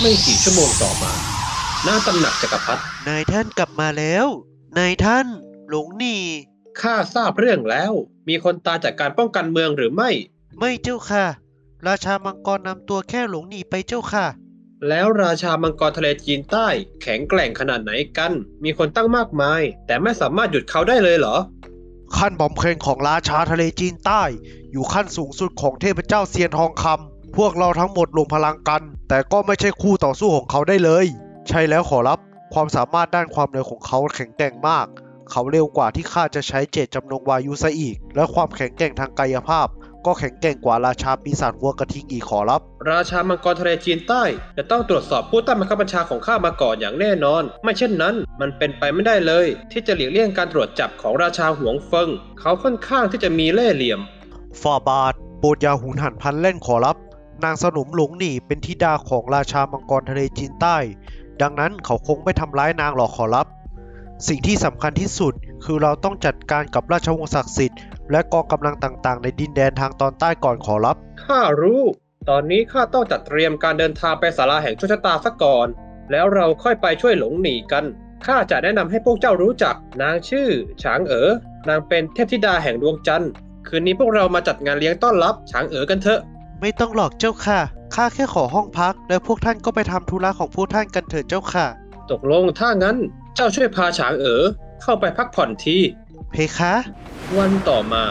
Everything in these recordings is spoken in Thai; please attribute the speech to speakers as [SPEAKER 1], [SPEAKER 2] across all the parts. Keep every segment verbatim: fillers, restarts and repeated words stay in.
[SPEAKER 1] ไม่กี่ชั่วโมงต่อมาหน้าตำหนักจักรพรรดิ
[SPEAKER 2] นายท่านกลับมาแล้วนายท่านหลงหนี
[SPEAKER 1] ข้าทราบเรื่องแล้ว มีคนตายจากการป้องกันเมืองหรือไม่
[SPEAKER 2] ไม่เจ้าค่ะราชามังกรนำตัวแค่หลงหนีไปเจ้าค่ะ
[SPEAKER 1] แล้วราชามังกรทะเลจีนใต้แข็งแกร่งขนาดไหนกัน มีคนตั้งมากมาย แต่ไม่สามารถหยุดเขาได้เลยเหรอ
[SPEAKER 2] ขั้นบำเพ็ญของราชาทะเลจีนใต้อยู่ขั้นสูงสุดของเทพเจ้าเซียนทองคำพวกเราทั้งหมดรวมพลังกัน แต่ก็ไม่ใช่คู่ต่อสู้ของเขาได้เลยใช่แล้วขอรับความสามารถด้านความเร็วของเขาแข็งแกร่งมากเขาเร็วกว่าที่ข้าจะใช้เจตจำนงวายุซะอีกและความแข็งแกร่งทางกายภาพก็แข็งแกร่งกว่าราชาปีศาจวัวกระทิงอีกขอรับ
[SPEAKER 1] ราชามังกรทะเลจีนใต้จะต้องตรวจสอบผู้ใต้บังคับบัญชาของข้ามาก่อนอย่างแน่นอนไม่เช่นนั้นมันเป็นไปไม่ได้เลยที่จะหลีกเลี่ยงการตรวจจับของราชาหวงเฟิงเขาค่อนข้างที่จะมีเล่ห์เหลี่ยม
[SPEAKER 2] ฝ่าบาทโปรดอย่าหุนหันพลันแล่นขอรับนางสนมหลงหนีเป็นธิดาของราชามังกรทะเลจีนใต้ดังนั้นเขาคงไม่ทำร้ายนางหรอกขอรับสิ่งที่สำคัญที่สุดคือเราต้องจัดการกับราชวงศ์ศักดิ์สิทธิ์และกองกำลังต่างๆในดินแดนทางตอนใต้ก่อนขอรับ
[SPEAKER 1] ข้ารู้ตอนนี้ข้าต้องจัดเตรียมการเดินทางไปศาลาแห่งโชคชะตาซะก่อนแล้วเราค่อยไปช่วยหลงหนีกันข้าจะแนะนำให้พวกเจ้ารู้จักนางชื่อฉางเอ๋อนางเป็นเทพธิดาแห่งดวงจันทร์คืนนี้พวกเรามาจัดงานเลี้ยงต้อนรับฉางเอ๋อกันเถอะ
[SPEAKER 2] ไม่ต้องหรอกเจ้าค่ะข้าแค่ขอห้องพักแล้วพวกท่านก็ไปทำธุระของพวกท่านกันเถิดเจ้าค่ะ
[SPEAKER 1] ตกลงถ้างั้นเจ้าช่วยพาฉางเอ๋อเข้าไปพักผ่อนที
[SPEAKER 2] เพคะ
[SPEAKER 1] วันต่อมา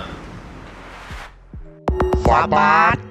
[SPEAKER 2] ฝ่าบาท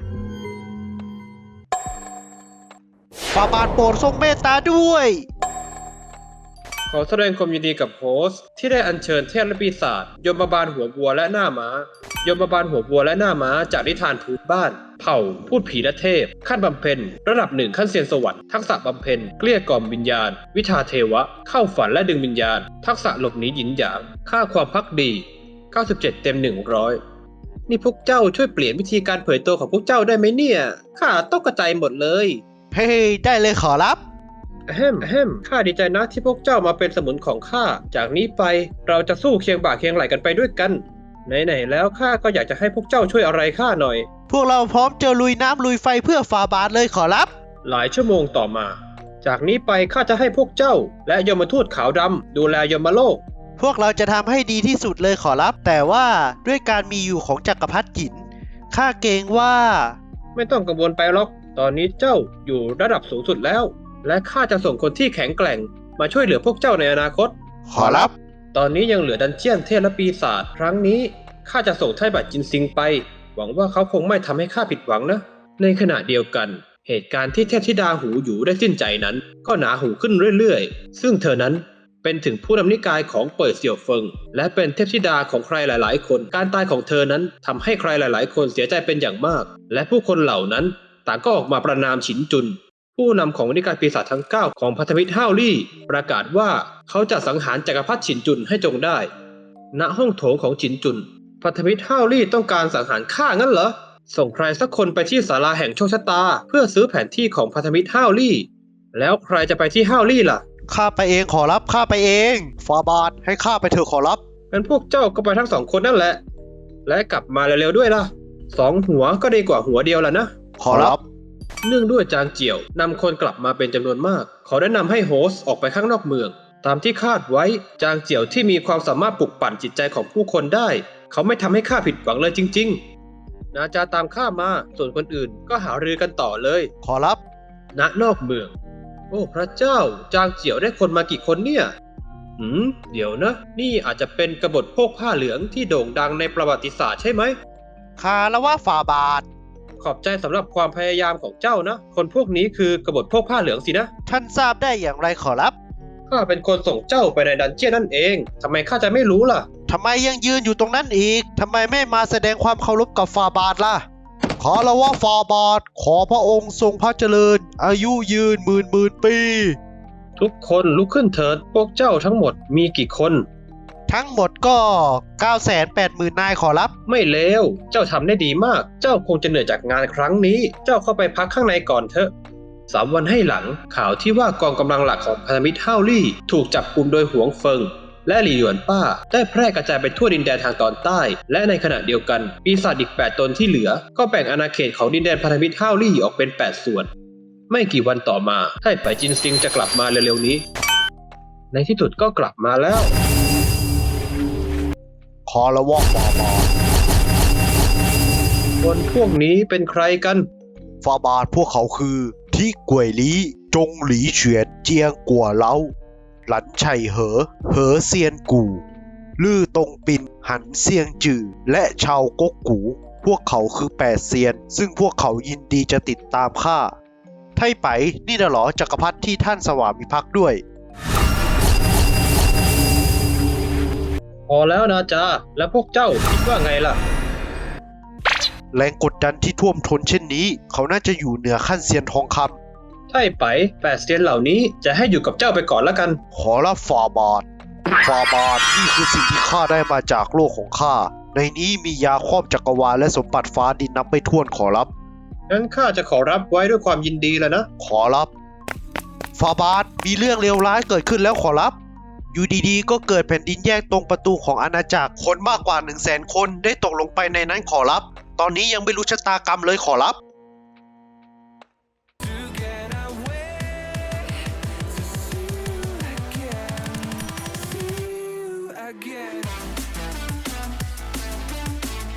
[SPEAKER 2] ฝ่าบาทโปรดทรงเมตตาด้วย
[SPEAKER 1] ขอแสดงความยินดีกับโฮสต์ที่ได้อัญเชิญเทพและปีศาจยมบาลหัววัวและหน้าม้ายมบาลหัววัวและหน้าม้าจากนิทานพื้นบ้านเผ่าพูดผีและเทพขั้นบำเพ็ญระดับหนึ่งขั้นเซียนสวรรค์ทักษะบำเพ็ญเกลี้ยกล่อมวิญญาณวิชาเทวะเข้าฝันและดึงวิญญาณทักษะหลบหนีหยินหยางค่าความภักดีเก้าสิบเจ็ดเต็มหนึ่งร้อยนี่พวกเจ้าช่วยเปลี่ยนวิธีการเผยตัวของพวกเจ้าได้ไหมเนี่ยข้าตกใจหมดเลย
[SPEAKER 2] เฮ้ยได้เลยขอรับ
[SPEAKER 1] แฮมแฮมข้าดีใจนะที่พวกเจ้ามาเป็นสมุนของข้าจากนี้ไปเราจะสู้เคียงบ่าเคียงไหลกันไปด้วยกันไหนๆแล้วข้าก็อยากจะให้พวกเจ้าช่วยอะไรข้าหน่อย
[SPEAKER 2] พวกเราพร้อมจะลุยน้ำลุยไฟเพื่อฝ่าบาทเลยขอรับ
[SPEAKER 1] หลายชั่วโมงต่อมาจากนี้ไปข้าจะให้พวกเจ้าและยมทูตขาวดำดูแลยมโลก
[SPEAKER 2] พวกเราจะทำให้ดีที่สุดเลยขอรับแต่ว่าด้วยการมีอยู่ของจักรพรรดิจินข้าเกรงว่า
[SPEAKER 1] ไม่ต้องกังวลไปหรอกตอนนี้เจ้าอยู่ระดับสูงสุดแล้วและข้าจะส่งคนที่แข็งแกร่งมาช่วยเหลือพวกเจ้าในอนาคต
[SPEAKER 2] ขอรับ
[SPEAKER 1] ตอนนี้ยังเหลือดันเจียนเทพและปีศาจครั้งนี้ข้าจะส่งไถ่บัตรจินซิงไปหวังว่าเขาคงไม่ทำให้ข้าผิดหวังนะในขณะเดียวกันเหตุการณ์ที่เทพธิดาหูหยูได้สิ้นใจนั้นก็หนาหูขึ้นเรื่อยๆซึ่งเธอนั้นเป็นถึงผู้นำนิกายของเป่ยเสี่ยวเฟิงและเป็นเทพธิดาของใครหลายๆคนการตายของเธอนั้นทำให้ใครหลายๆคนเสียใจเป็นอย่างมากและผู้คนเหล่านั้นต่างก็ออกมาประณามฉินจุนผู้นำของนิกายปีศาจทั้งเก้าของพันธมิตรห้าวลี่ประกาศว่าเขาจะสังหารจักรพรรดิฉินจุนให้จงได้ณห้องโถงของฉินจุนพันธมิตรห้าวลี่ต้องการสังหารข้างั้นเหรอส่งใครสักคนไปที่ศาลาแห่งโชคชะตาเพื่อซื้อแผนที่ของพันธมิตรห้าวลี่แล้วใครจะไปที่ห้าวลี่ล่ะ
[SPEAKER 2] ข้าไปเองขอรับข้าไปเองฟาบาทให้ข้าไปเถอะขอรับ
[SPEAKER 1] งั้นพวกเจ้าก็ไปทั้งสองคนนั่นแหละและกลับมาเร็วๆด้วยล่ะสองหัวก็ดีกว่าหัวเดียวล่ะนะ
[SPEAKER 2] ขอรับ
[SPEAKER 1] เนื่องด้วยจางเจียวนำคนกลับมาเป็นจำนวนมากเขาได้นำให้โฮสต์ออกไปข้างนอกเมืองตามที่คาดไว้จางเจียวที่มีความสามารถปลุกปั่นจิตใจของผู้คนได้เขาไม่ทำให้ข้าผิดหวังเลยจริงๆนาจาตามข้ามาส่วนคนอื่นก็หารือกันต่อเลย
[SPEAKER 2] ขอรับ
[SPEAKER 1] ณนอกเมืองโอ้พระเจ้าจางเจียวได้คนมากี่คนเนี่ยหืมเดี๋ยวนะนี่อาจจะเป็นกบฏพวกผ้าเหลืองที่โด่งดังในประวัติศาสตร์ใช่ไหม
[SPEAKER 2] ข้าละว่าฝ่าบาท
[SPEAKER 1] ขอบใจสำหรับความพยายามของเจ้านะคนพวกนี้คือกบฏพวกผ้าเหลืองสินะ
[SPEAKER 2] ท่านทราบได้อย่างไรขอรับ
[SPEAKER 1] ข้าเป็นคนส่งเจ้าไปในดันเจี้ยนนั่นเองทำไมข้าจะไม่รู้ล่ะ
[SPEAKER 2] ทำไมยังยืนอยู่ตรงนั้นอีกทำไมไม่มาแสดงความเคารพกับฝ่าบาทล่ะขอละว่าฝ่าบาทขอพระองค์ทรงพระเจริญอายุยืนหมื่นหมื่นปี
[SPEAKER 1] ทุกคนลุกขึ้นเถิดพวกเจ้าทั้งหมดมีกี่คน
[SPEAKER 2] ทั้งหมดก็ เก้าแสนแปดหมื่น นายขอรับ
[SPEAKER 1] ไม่เลวเจ้าทำได้ดีมากเจ้าคงจะเหนื่อยจากงานครั้งนี้เจ้าเข้าไปพักข้างในก่อนเถอะสามวันให้หลังข่าวที่ว่ากองกำลังหลักของพันธมิตรห้าวลี่ถูกจับกุมโดยหวงเฟิงและหลี่หยวนป้าได้แพร่กระจายไปทั่วดินแดนทางตอนใต้และในขณะเดียวกันปีศาจอีกแปดตนที่เหลือก็แบ่งอาณาเขตของดินแดนพันธมิตรห้าวลี่ออกเป็นแปดส่วนไม่กี่วันต่อมาไท่ไปจินซิงจะกลับมาเร็วๆนี้ ในที่สุดก็กลับมาแล้ว
[SPEAKER 2] คอละวอกฟาบาท
[SPEAKER 1] คนพวกนี้เป็นใครกัน
[SPEAKER 2] ฟาบาทพวกเขาคือที่กวยลีจงหลีเฉียนเจียงกัวเล้าหลันไฉเหอ เหอเซียนกู่ลื่อตงปินหันเซียงจือและชาวก๊กกูพวกเขาคือแปดเซียน ซึ่งพวกเขายินดีจะติดตามข้าไท่ไปนี่น่ะเหรอจักรพรรดิที่ท่านสวามิภักดิ์ด้วย
[SPEAKER 1] พอแล้วนะจ๊ะแล้วพวกเจ้าคิดว่าไงล่ะ
[SPEAKER 2] แรงกดดันที่ท่วมท้นเช่นนี้ เขาน่าจะอยู่เหนือขั้นเซียนทองคำ
[SPEAKER 1] ไท่ไปแปดเซียนเหล่านี้จะให้อยู่กับเจ้าไปก่อนละกัน
[SPEAKER 2] ขอรับฟาบาทฟาบาทนี่คือสิ่งที่ข้าได้มาจากโลกของข้าในนี้มียาครอบจักรวาลและสมบัติฟ้าดินนับไม่ถ้วนขอรับ
[SPEAKER 1] งั้นข้าจะขอรับไว้ด้วยความยินดีแล้วนะ
[SPEAKER 2] ขอรับฟาบาทมีเรื่องเลวร้ายเกิดขึ้นแล้วขอรับ อยู่ดีๆ ก็เกิดแผ่นดินแยกตรงประตูของอาณาจักรคนมากกว่าหนึ่งแสนคนได้ตกลงไปในนั้นขอรับ ตอนนี้ยังไม่รู้ชะตากรรมเลยขอรับ